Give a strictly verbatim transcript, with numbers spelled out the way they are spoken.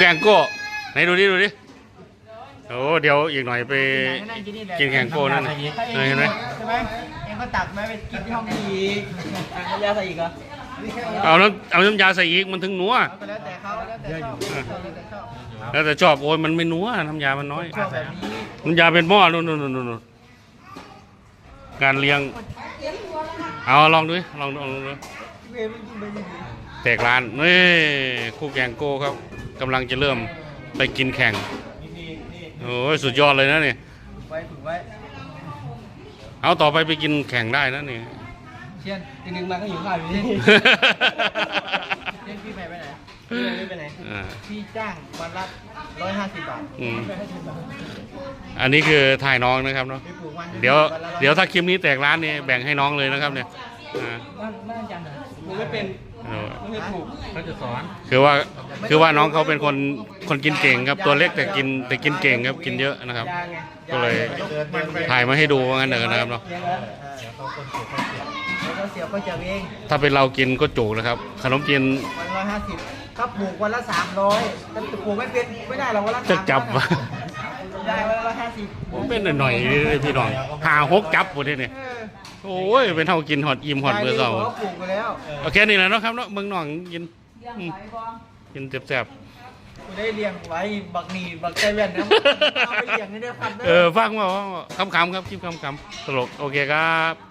แข่งโก้ไหนดูดิดูดิโอ้เดี๋ยวอีกหน่อยไปกินแข่งโก้นั่นเห็นไหมใช่ไหมเองก็ตักมาไปกินที่ห้องอีกน้ำยาใส่อีกเหรอเอาน้ำเอาน้ำยาใส่อีกมันถึงนัวแล้วแต่เขาแล้วแต่ชอบแล้วแต่ชอบโอ้ยมันไม่นัวน้ำยามันน้อยชอบแบบนี้น้ำยาเป็นหม้อนู่นนู่นนู่นการเลี้ยงเอาลองดูลองดูลองดูแตกร้านนี่คู่แข่งโก้ครับกำลังจะเริ่มไปกินแข่งโอ้ยสุดยอดเลยนะนี่ถูกไว้ถูกไว้เอาต่อไปไปกินแข่งได้นะนี่เชียนจริงๆมาก็อยู่ข้าวอยู่นี่เชียนพี่ไปไปไหนพี่ไปไหนพี่จ้างวันละร้อยห้าสิบบาทอันนี้คือถ่ายน้องนะครับเนาะเดี๋ยวเดี๋ยวถ้าคลิปนี้แตกร้านนี่แบ่งให้น้องเลยนะครับเนี่ยบ้านบ้านจันทร์ผมไม่เป็นไม่ถูกเขาจะสอนคือว่าคือว่าน้องเขาเป็นคนคนกินเก่งครับตัวเล็กแต่กินแต่กินเก่งครับกินเยอะนะครับก็เลยถ่ายมาให้ดูว่างั้นเถอะนะครับเนาะถ้าเป็นเรากินก็จุกนะครับขนมจีนวันละห้าสิบถ้าปลูกวันละสามร้อยถ้าปลูกไม่เป็นไม่ได้หรอกวันละจะจับได้วันละห้าสิบผมเป็นหน่อยๆพี่น้องหาหกจับหมดเลยเนี่ยโอ้ยเป็นเท่ากินหอดอิ่มหอดเบอร์เก่าโอเคนี่แหละเนาะครับเนาะเมืองหนองกินกินแซ่บๆได้เลี้ยงไว้บักหนีบักใจแว่นนะเอาไปเลี้ยงให้ได้ครับเออฟังว่าคำๆครับคลิปคำๆตลกโอเคครับ